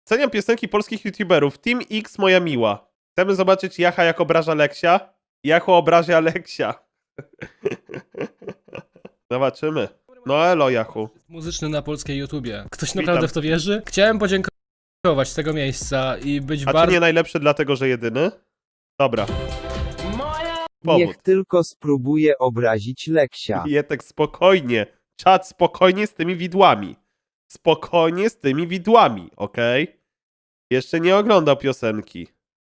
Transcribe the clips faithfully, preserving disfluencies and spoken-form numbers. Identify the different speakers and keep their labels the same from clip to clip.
Speaker 1: Ceniam piosenki polskich youtuberów. Team X, moja miła. Chcemy zobaczyć Jacha, jak obraża Leksia. Jachu obraża Leksia. Zobaczymy. No elo, Jachu.
Speaker 2: Muzyczny na polskiej YouTubie. Ktoś
Speaker 1: Witam.
Speaker 2: naprawdę w to wierzy? Chciałem podziękować z tego miejsca i być
Speaker 1: A
Speaker 2: bardzo...
Speaker 1: czy nie najlepszy dlatego, że jedyny? Dobra. Powód.
Speaker 3: Niech tylko spróbuje obrazić Leksia.
Speaker 1: Jetek, spokojnie. Czad, spokojnie z tymi widłami. Spokojnie z tymi widłami, okej? Jeszcze nie oglądał piosenki.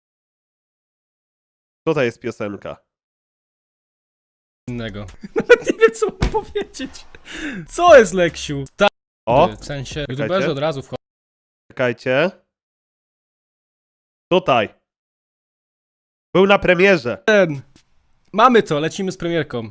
Speaker 1: Tutaj jest piosenka.
Speaker 2: innego. Nawet nie wiem, co mam powiedzieć. Co jest, Leksiu? Tak,
Speaker 1: O,
Speaker 2: w sensie youtuberzy od razu wchodzą.
Speaker 1: czekajcie. Tutaj. Był na premierze.
Speaker 2: Ten. Mamy to, lecimy z premierką.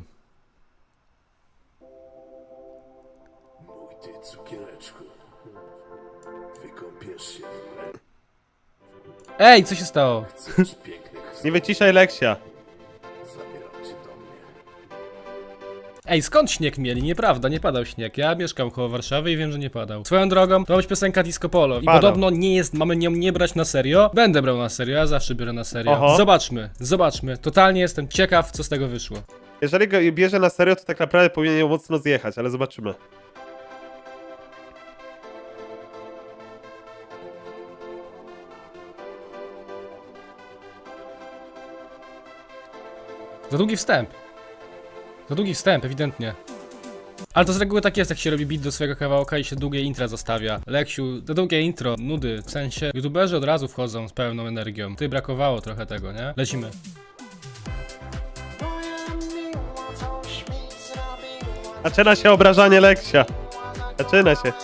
Speaker 4: Mój ty cukiereczku, wykąpiesz się w mleku.
Speaker 2: Ej, co się stało?
Speaker 4: Chcesz pięknych
Speaker 1: Nie wyciszaj Leksia.
Speaker 4: zabieram cię do mnie.
Speaker 2: Ej, skąd śnieg mieli? Nieprawda, nie padał śnieg. Ja mieszkam koło Warszawy i wiem, że nie padał. Swoją drogą, to ma być piosenka Disco Polo. I
Speaker 1: Padał.
Speaker 2: podobno nie jest, mamy nią nie brać na serio. Będę brał na serio, ja zawsze biorę na serio.
Speaker 1: Oho.
Speaker 2: Zobaczmy, zobaczmy. Totalnie jestem ciekaw, co z tego wyszło.
Speaker 1: Jeżeli go bierze na serio, to tak naprawdę powinien ją mocno zjechać, ale zobaczymy.
Speaker 2: Za długi wstęp. Za długi wstęp, ewidentnie. Ale to z reguły tak jest, jak się robi beat do swojego kawałka i się długie intra zostawia. Leksiu, to długie intro, nudy, w sensie youtuberzy od razu wchodzą z pełną energią. Ty brakowało trochę tego, nie? Lecimy.
Speaker 1: Zaczyna się obrażanie Leksia. Zaczyna się.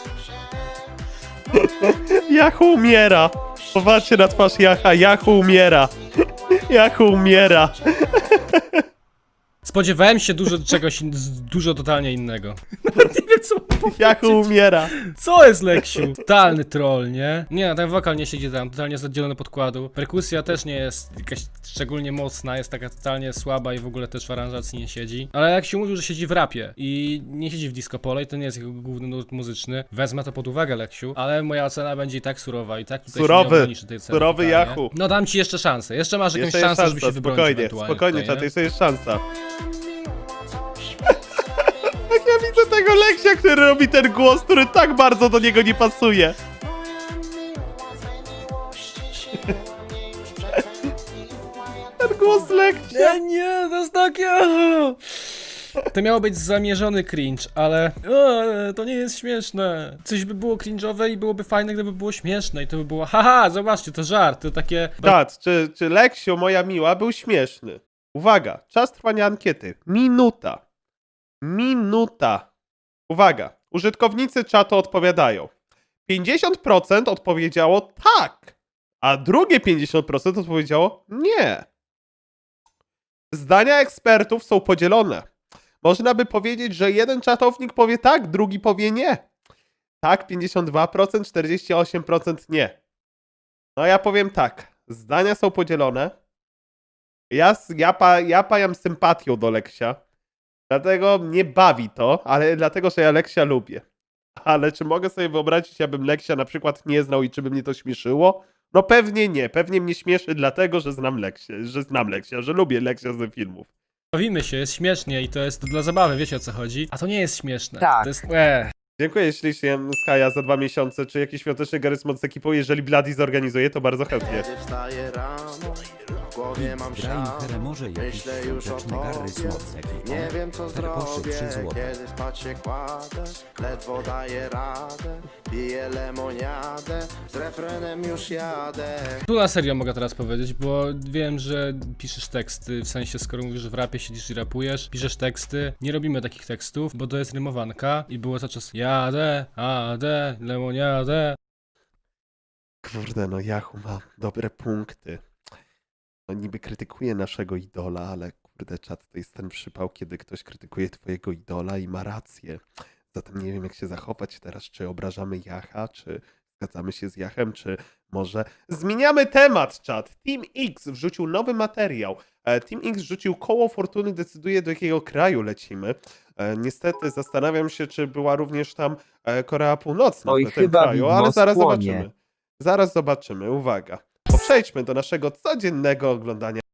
Speaker 1: Jachu umiera. Popatrzcie na twarz Jacha. Jachu umiera. Jachu umiera.
Speaker 2: Spodziewałem się dużo czegoś, in- z- dużo totalnie innego. Nawet nie wiem, co mam powiedzieć.
Speaker 1: Jachu umiera.
Speaker 2: Co jest, Leksiu? Totalny troll, nie? Nie, ten wokal nie siedzi tam, totalnie jest oddzielony podkładu. Perkusja też nie jest jakaś szczególnie mocna, jest taka totalnie słaba i w ogóle też w aranżacji nie siedzi. Ale Leksiu mówił, że siedzi w rapie i nie siedzi w disco polo i to nie jest jego główny nurt muzyczny. Wezmę to pod uwagę, Leksiu, ale moja ocena będzie i tak surowa i tak tutaj
Speaker 1: Surowy.
Speaker 2: się nie ograniczy tej ceny
Speaker 1: Surowy
Speaker 2: totalnie.
Speaker 1: Jachu.
Speaker 2: No dam ci jeszcze szansę, jeszcze masz jakąś
Speaker 1: Jeszcze jest
Speaker 2: szansę, żeby się
Speaker 1: szansa.
Speaker 2: wybronić
Speaker 1: Spokojnie.
Speaker 2: ewentualnie
Speaker 1: Spokojnie,
Speaker 2: tutaj,
Speaker 1: czat.
Speaker 2: nie?
Speaker 1: Jeszcze jest szansa. Jak ja widzę tego Leksia, który robi ten głos, który tak bardzo do niego nie pasuje. Ten głos Leksia.
Speaker 2: Nie, nie, to jest takie... To miało być zamierzony cringe, ale o, to nie jest śmieszne. Coś by było cringe'owe i byłoby fajne, gdyby było śmieszne i to by było haha, zobaczcie, to żart, to takie...
Speaker 1: Czat, czy, czy Leksiu, moja miła, był śmieszny? Uwaga, czas trwania ankiety. Minuta. Minuta. Uwaga, użytkownicy czatu odpowiadają. pięćdziesiąt procent odpowiedziało tak, a drugie pięćdziesiąt procent odpowiedziało nie. Zdania ekspertów są podzielone. Można by powiedzieć, że jeden czatownik powie tak, drugi powie nie. Tak, pięćdziesiąt dwa procent, czterdzieści osiem procent nie. No ja powiem tak, zdania są podzielone. Ja, s- ja, pa, ja pajam sympatią do Leksia, dlatego mnie bawi to, ale dlatego, że ja Leksia lubię. Ale czy mogę sobie wyobrazić, abym Leksia na przykład nie znał i czy by mnie to śmieszyło? No pewnie nie, pewnie mnie śmieszy dlatego, że znam Leksia, że znam Leksia, że lubię Leksia z filmów.
Speaker 2: Bawimy się, jest śmiesznie i to jest dla zabawy, wiecie o co chodzi. A to nie jest śmieszne.
Speaker 3: Tak.
Speaker 2: To jest... Eee.
Speaker 1: Dziękuję ślicznie Skaja za dwa miesiące. Czy jakiś świąteczny Garry's Mod z ekipą? Jeżeli Bloody zorganizuje, to bardzo chętnie.
Speaker 4: Kiedy wstaję rano, w głowie mam
Speaker 5: Grajcher
Speaker 4: szał.
Speaker 5: może jakiś
Speaker 4: Myślę już o
Speaker 5: świąteczny Garry's
Speaker 4: tobie.
Speaker 5: Mod z ekipą.
Speaker 4: Nie wiem co
Speaker 5: Perposzy
Speaker 4: zrobię,
Speaker 5: trzy złote.
Speaker 4: kiedy spać się kładę. Ledwo daję radę, piję lemoniadę. Z refrenem już jadę.
Speaker 2: Tu na serio mogę teraz powiedzieć, bo wiem, że piszesz teksty, w sensie skoro mówisz, że w rapie siedzisz i rapujesz, piszesz teksty, nie robimy takich tekstów, bo to jest rymowanka i było cały czas jadę, adę, lemoniadę.
Speaker 1: Kurde, no Yahoo ma dobre punkty. No niby krytykuje naszego idola, ale kurde, czat, to jest ten przypał, kiedy ktoś krytykuje twojego idola i ma rację. Zatem nie wiem, jak się zachować teraz, czy obrażamy Jacha, czy zgadzamy się z Jachem, czy może zmieniamy temat, czat. Team X wrzucił nowy materiał. E, Team X wrzucił koło fortuny, decyduje, do jakiego kraju lecimy. E, Niestety zastanawiam się, czy była również tam e, Korea Północna
Speaker 3: Oj,
Speaker 1: w tym
Speaker 3: chyba
Speaker 1: kraju,
Speaker 3: widmo
Speaker 1: ale zaraz
Speaker 3: skłonie.
Speaker 1: zobaczymy. Zaraz zobaczymy, uwaga. Bo przejdźmy do naszego codziennego oglądania